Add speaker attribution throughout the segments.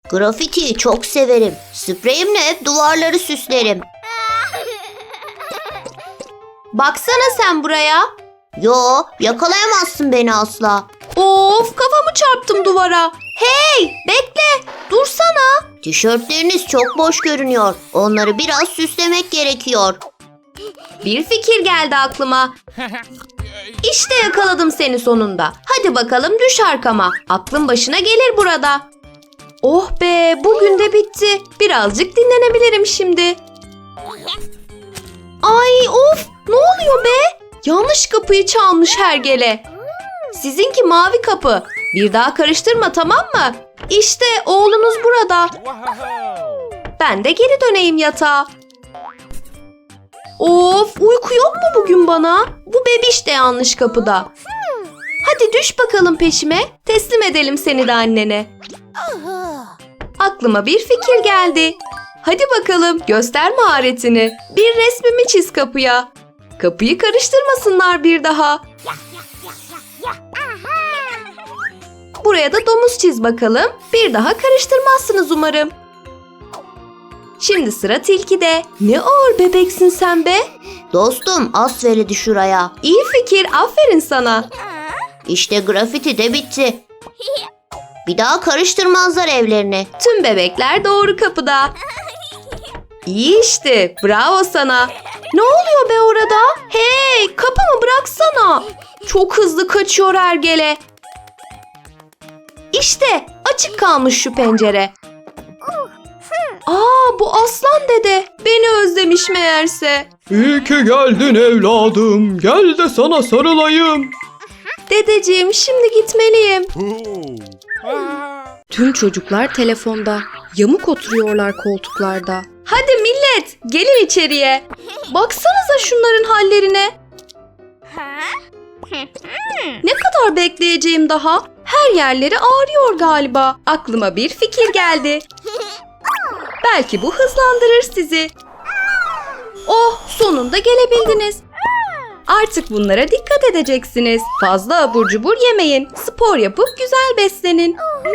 Speaker 1: Grafitiyi çok severim. Spreyimle hep duvarları süslerim.
Speaker 2: Baksana sen buraya.
Speaker 1: Yo, yakalayamazsın beni asla.
Speaker 2: Of, kafamı çarptım duvara. Hey, bekle, dursana.
Speaker 1: Tişörtleriniz çok boş görünüyor. Onları biraz süslemek gerekiyor.
Speaker 2: Bir fikir geldi aklıma. İşte yakaladım seni sonunda. Hadi bakalım düş arkama. Aklın başına gelir burada. Oh be, bugün de bitti. Birazcık dinlenebilirim şimdi. Ay of, ne oluyor be? Yanlış kapıyı çalmış hergele. Sizinki mavi kapı. Bir daha karıştırma, tamam mı? İşte oğlunuz burada. Ben de geri döneyim yatağa. Of, uyku yok mu bugün bana? Bu bebiş de yanlış kapıda. Hadi düş bakalım peşime. Teslim edelim seni de annene. Aklıma bir fikir geldi. Hadi bakalım, göster maharetini. Bir resmimi çiz kapıya. Kapıyı karıştırmasınlar bir daha. Buraya da domuz çiz bakalım. Bir daha karıştırmazsınız umarım. Şimdi sıra tilkide. Ne ağır bebeksin sen be.
Speaker 1: Dostum, as veridi şuraya.
Speaker 2: İyi fikir, aferin sana.
Speaker 1: İşte grafiti de bitti. Bir daha karıştırmazlar evlerini.
Speaker 2: Tüm bebekler doğru kapıda. İyi işte, bravo sana. Ne oluyor be orada? Hey, kapımı bıraksana. Çok hızlı kaçıyor hergele. İşte açık kalmış şu pencere. Aa, bu aslan dede. Beni özlemiş meğerse.
Speaker 3: İyi ki geldin evladım. Gel de sana sarılayım.
Speaker 2: Dedeciğim, şimdi gitmeliyim. Tüm çocuklar telefonda. Yamuk oturuyorlar koltuklarda. Hadi millet, gelin içeriye. Baksanıza şunların hallerine. Ne kadar bekleyeceğim daha? Her yerleri ağrıyor galiba. Aklıma bir fikir geldi. Belki bu hızlandırır sizi. Oh, sonunda gelebildiniz. Artık bunlara dikkat edeceksiniz. Fazla abur cubur yemeyin. Spor yapıp güzel beslenin.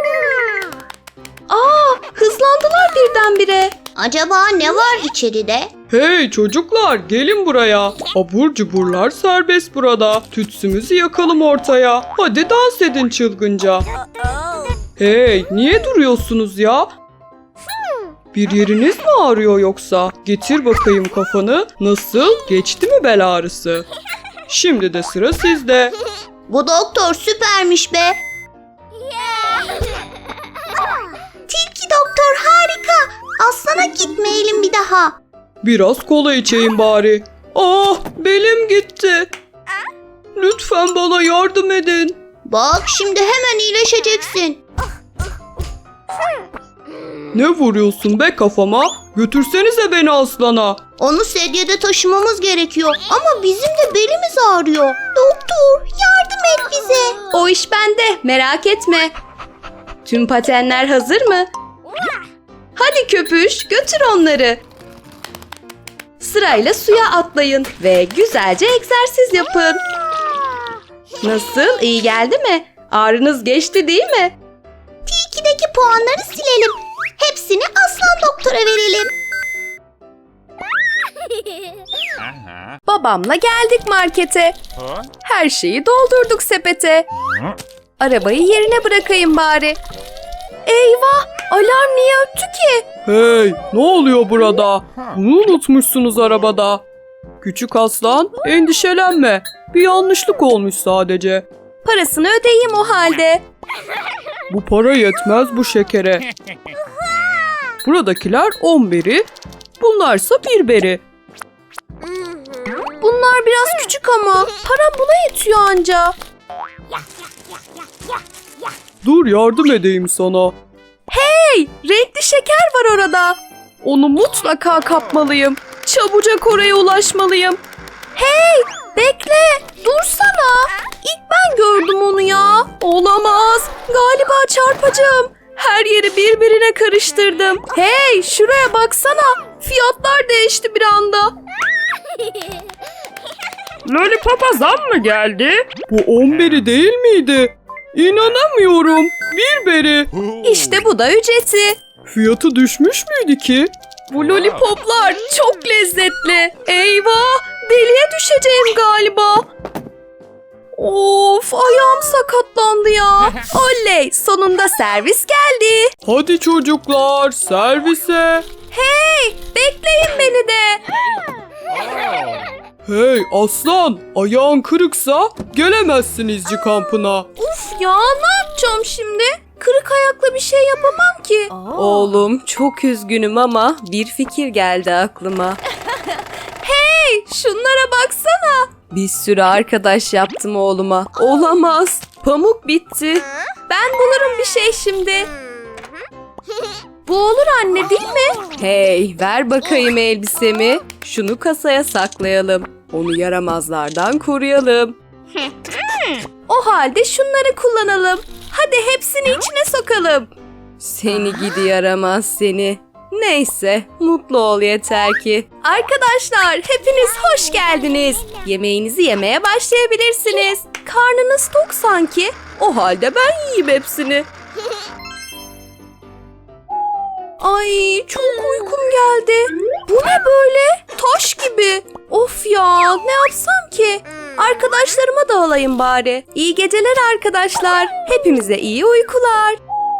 Speaker 2: Aa, hızlandılar birdenbire.
Speaker 1: Acaba ne var içeride?
Speaker 3: Hey çocuklar, gelin buraya. Abur cuburlar serbest burada. Tütsümüzü yakalım ortaya. Hadi dans edin çılgınca. Hey, niye duruyorsunuz ya? Bir yeriniz mi ağrıyor yoksa? Getir bakayım kafanı. Nasıl? Geçti mi bel ağrısı? Şimdi de sıra sizde.
Speaker 1: Bu doktor süpermiş be. Tilki doktor harika. Aslana gitmeyelim bir daha.
Speaker 3: Biraz kola içeyim bari. Ah, belim gitti. Lütfen bana yardım edin.
Speaker 1: Bak, şimdi hemen iyileşeceksin.
Speaker 3: Ne vuruyorsun be kafama? Götürsenize beni aslana.
Speaker 1: Onu sedyede taşımamız gerekiyor. Ama bizim de belimiz ağrıyor. Doktor, yardım et bize.
Speaker 2: O iş bende, merak etme. Tüm patenler hazır mı? Hadi köpüş, götür onları. Sırayla suya atlayın ve güzelce egzersiz yapın. Nasıl, iyi geldi mi? Ağrınız geçti değil mi?
Speaker 1: Tilkideki puanları silelim. Hepsini aslan doktora verelim.
Speaker 2: Babamla geldik markete. Her şeyi doldurduk sepete. Arabayı yerine bırakayım bari. Eyvah! Alarm niye öttü ki?
Speaker 3: Hey, ne oluyor burada? Bunu unutmuşsunuz arabada. Küçük aslan, endişelenme. Bir yanlışlık olmuş sadece.
Speaker 2: Parasını ödeyeyim o halde.
Speaker 3: Bu para yetmez bu şekere. Buradakiler 10 beri, bunlarsa 1 beri.
Speaker 2: Bunlar biraz küçük ama param buna yetiyor anca.
Speaker 3: Dur yardım edeyim sana.
Speaker 2: Hey! Renkli şeker var orada. Onu mutlaka kapmalıyım. Çabucak oraya ulaşmalıyım. Hey! Bekle! Dursana! İlk ben gördüm onu ya. Olamaz. Galiba çarpacağım. Her yeri birbirine karıştırdım. Hey! Şuraya baksana. Fiyatlar değişti bir anda.
Speaker 4: Lollipop'a zam mı geldi?
Speaker 3: Bu 10 beri değil miydi? İnanamıyorum. Bir beri.
Speaker 2: İşte bu da ücreti.
Speaker 3: Fiyatı düşmüş müydü ki?
Speaker 2: Bu lollipoplar çok lezzetli. Eyvah! Deliye düşeceğim galiba. Of, ayağım sakatlandı ya. Oley, sonunda servis geldi.
Speaker 3: Hadi çocuklar servise.
Speaker 2: Hey, bekleyin beni de.
Speaker 3: Hey aslan, ayağın kırıksa gelemezsin izci kampına.
Speaker 2: Uf ya, ne yapacağım şimdi? Kırık ayakla bir şey yapamam ki. Oğlum, çok üzgünüm ama bir fikir geldi aklıma. Hey, şunlara baksana. Bir sürü arkadaş yaptım oğluma. Olamaz. Pamuk bitti. Ben bulurum bir şey şimdi. Bu olur anne, değil mi? Hey, ver bakayım elbisemi. Şunu kasaya saklayalım. Onu yaramazlardan koruyalım. O halde şunları kullanalım. Hadi hepsini içine sokalım. Seni gidi yaramaz seni. Neyse, mutlu ol yeter ki. Arkadaşlar, hepiniz hoş geldiniz. Yemeğinizi yemeye başlayabilirsiniz. Karnınız tok sanki. O halde ben yiyeyim hepsini. Ay, çok uykum geldi. Bu ne böyle? Taş gibi. Of ya, ne yapsam ki? Arkadaşlarıma da alayım bari. İyi geceler arkadaşlar. Hepimize iyi uykular.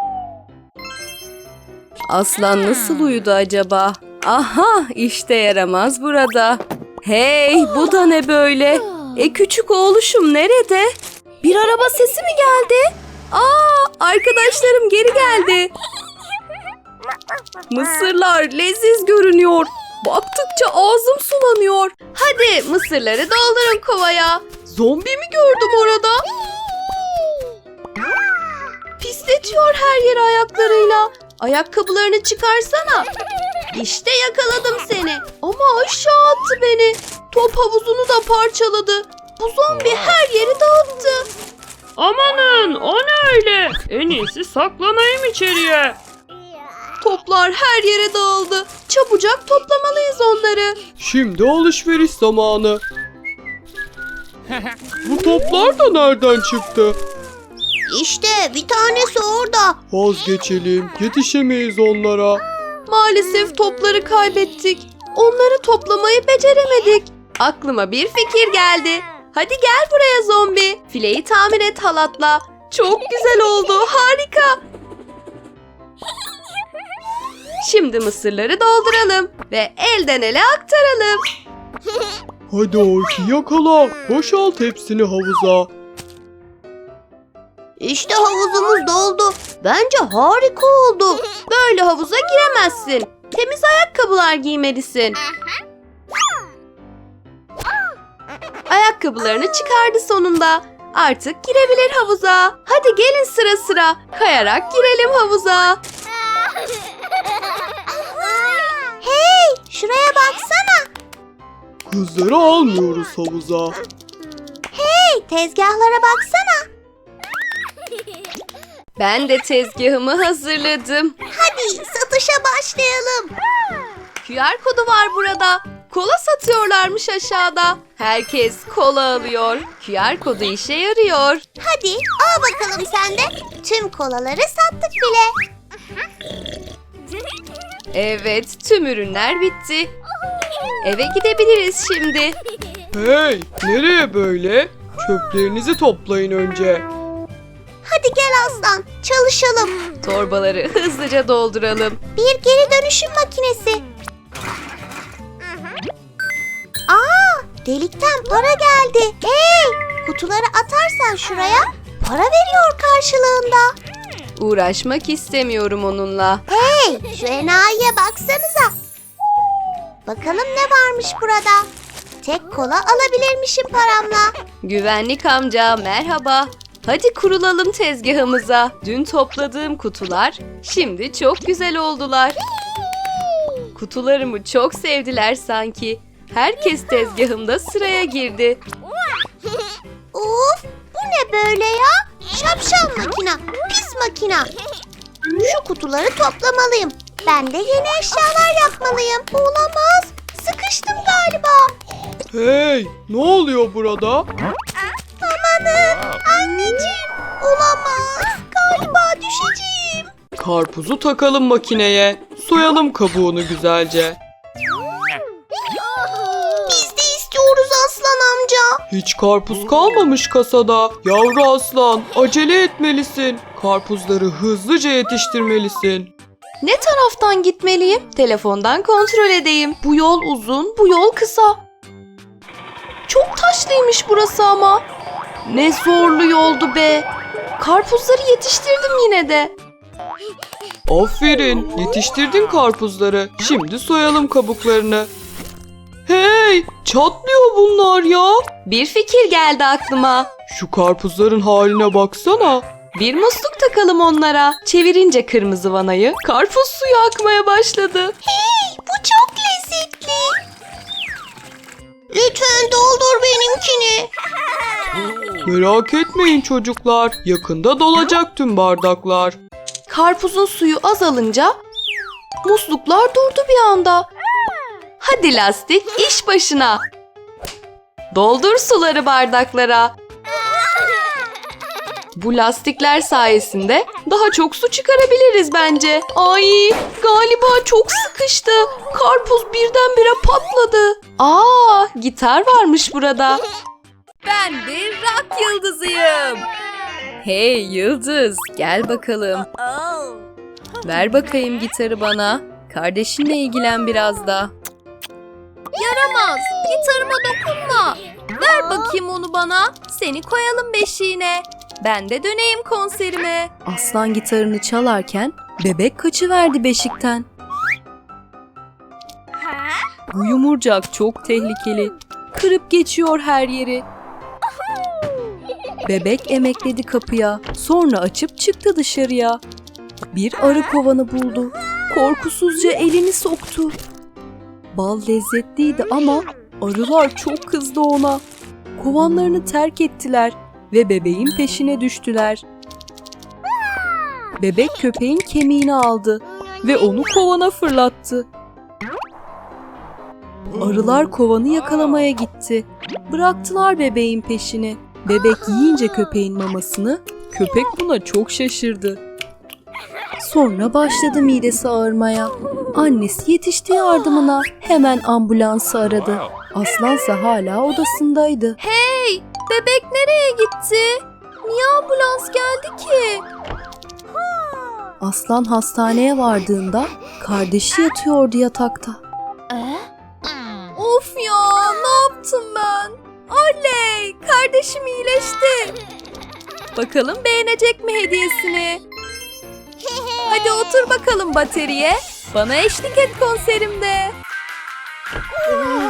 Speaker 2: Aslan nasıl uyudu acaba? Aha, işte yaramaz burada. Hey, bu da ne böyle? Küçük oğluşum nerede? Bir araba sesi mi geldi? Arkadaşlarım geri geldi. Mısırlar leziz görünüyor. Baktıkça ağzım sulanıyor. Hadi mısırları doldurun kovaya. Zombi mi gördüm orada? Pisletiyor her yeri ayaklarıyla. Ayakkabılarını çıkarsana. İşte yakaladım seni. Ama aşağı attı beni. Top havuzunu da parçaladı. Bu zombi her yeri dağıttı.
Speaker 3: Amanın, o ne öyle? En iyisi saklanayım içeriye.
Speaker 2: Toplar her yere dağıldı. Çabucak toplamalıyız onları.
Speaker 3: Şimdi alışveriş zamanı. Bu toplar da nereden çıktı?
Speaker 1: İşte bir tanesi orada.
Speaker 3: Vazgeçelim, yetişemeyiz onlara.
Speaker 2: Maalesef topları kaybettik. Onları toplamayı beceremedik. Aklıma bir fikir geldi. Hadi gel buraya zombi. Fileyi tamir et halatla. Çok güzel oldu. Harika. Şimdi mısırları dolduralım ve elden ele aktaralım.
Speaker 3: Hadi Orki yakala, boşalt hepsini havuza.
Speaker 1: İşte havuzumuz doldu. Bence harika oldu.
Speaker 2: Böyle havuza giremezsin. Temiz ayakkabılar giymelisin. Ayakkabılarını çıkardı sonunda. Artık girebilir havuza. Hadi gelin sıra sıra. Kayarak girelim havuza.
Speaker 1: Hey, şuraya baksana.
Speaker 3: Kızları almıyoruz havuza.
Speaker 1: Hey, tezgahlara baksana.
Speaker 2: Ben de tezgahımı hazırladım.
Speaker 1: Hadi satışa başlayalım.
Speaker 2: QR kodu var burada. Kola satıyorlarmış aşağıda. Herkes kola alıyor. QR kodu işe yarıyor.
Speaker 1: Hadi al bakalım sen de. Tüm kolaları sattık bile.
Speaker 2: Evet, tüm ürünler bitti. Eve gidebiliriz şimdi.
Speaker 3: Hey, nereye böyle? Çöplerinizi toplayın önce.
Speaker 1: Hadi gel aslan, çalışalım.
Speaker 2: Torbaları hızlıca dolduralım.
Speaker 1: Bir geri dönüşüm makinesi. Delikten para geldi. Hey, kutuları atarsan şuraya para veriyor karşılığında.
Speaker 2: Uğraşmak istemiyorum onunla.
Speaker 1: Hey, şu enayiye baksanıza. Bakalım ne varmış burada. Tek kola alabilirmişim paramla.
Speaker 2: Güvenlik amca merhaba. Hadi kurulalım tezgahımıza. Dün topladığım kutular şimdi çok güzel oldular. Kutularımı çok sevdiler sanki. Herkes tezgahımda sıraya girdi.
Speaker 1: Of, bu ne böyle ya? Şapşal makina, pis makina. Şu kutuları toplamalıyım. Ben de yeni eşyalar yapmalıyım. Olamaz, sıkıştım galiba.
Speaker 3: Hey, ne oluyor burada?
Speaker 1: Amanın, anneciğim, Olamaz. Galiba düşeceğim.
Speaker 3: Karpuzu takalım makineye. Soyalım kabuğunu güzelce.
Speaker 1: Biz de istiyoruz aslan amca.
Speaker 3: Hiç karpuz kalmamış kasada. Yavru aslan, acele etmelisin. Karpuzları hızlıca yetiştirmelisin.
Speaker 2: Ne taraftan gitmeliyim? Telefondan kontrol edeyim. Bu yol uzun, bu yol kısa. Çok taşlıymış burası ama. Ne zorlu yoldu be. Karpuzları yetiştirdim yine de.
Speaker 3: Aferin, yetiştirdin karpuzları. Şimdi soyalım kabuklarını. Hey, çatlıyor bunlar ya.
Speaker 2: Bir fikir geldi aklıma.
Speaker 3: Şu karpuzların haline baksana.
Speaker 2: Bir musluk takalım onlara. Çevirince kırmızı vanayı karpuz suyu akmaya başladı.
Speaker 1: Hey, bu çok lezzetli. Lütfen doldur benimkini.
Speaker 3: Merak etmeyin çocuklar. Yakında dolacak tüm bardaklar.
Speaker 2: Karpuzun suyu azalınca musluklar durdu bir anda. Hadi lastik iş başına. Doldur suları bardaklara. Bu lastikler sayesinde daha çok su çıkarabiliriz bence. Ay, galiba çok sıkıştı. Karpuz birdenbire patladı. Aa, gitar varmış burada. Ben bir rock yıldızıyım. Hey Yıldız, gel bakalım. Ver bakayım gitarı bana. Kardeşinle ilgilen biraz da. Yaramaz, gitarıma dokunma. Ver bakayım onu bana. Seni koyalım beşiğine. Ben de döneyim konserime. Aslan gitarını çalarken bebek kaçıverdi beşikten. Bu yumurcak çok tehlikeli. Kırıp geçiyor her yeri. Bebek emekledi kapıya. Sonra açıp çıktı dışarıya. Bir arı kovanı buldu. Korkusuzca elini soktu. Bal lezzetliydi ama arılar çok kızdı ona. Kovanlarını terk ettiler ve bebeğin peşine düştüler. Bebek köpeğin kemiğini aldı ve onu kovana fırlattı. Arılar kovanı yakalamaya gitti. Bıraktılar bebeğin peşini. Bebek yiyince köpeğin mamasını, köpek buna çok şaşırdı. Sonra başladı midesi ağrımaya. Annesi yetişti yardımına. Hemen ambulansı aradı. Aslansa hala odasındaydı. Hey! Bebek nereye gitti? Niye ambulans geldi ki? Aslan hastaneye vardığında kardeşi yatıyordu yatakta. Of ya! Ne yaptım ben? Oley! Kardeşim iyileşti. Bakalım beğenecek mi hediyesini? Hadi otur bakalım bateriye. Bana eşlik et konserimde.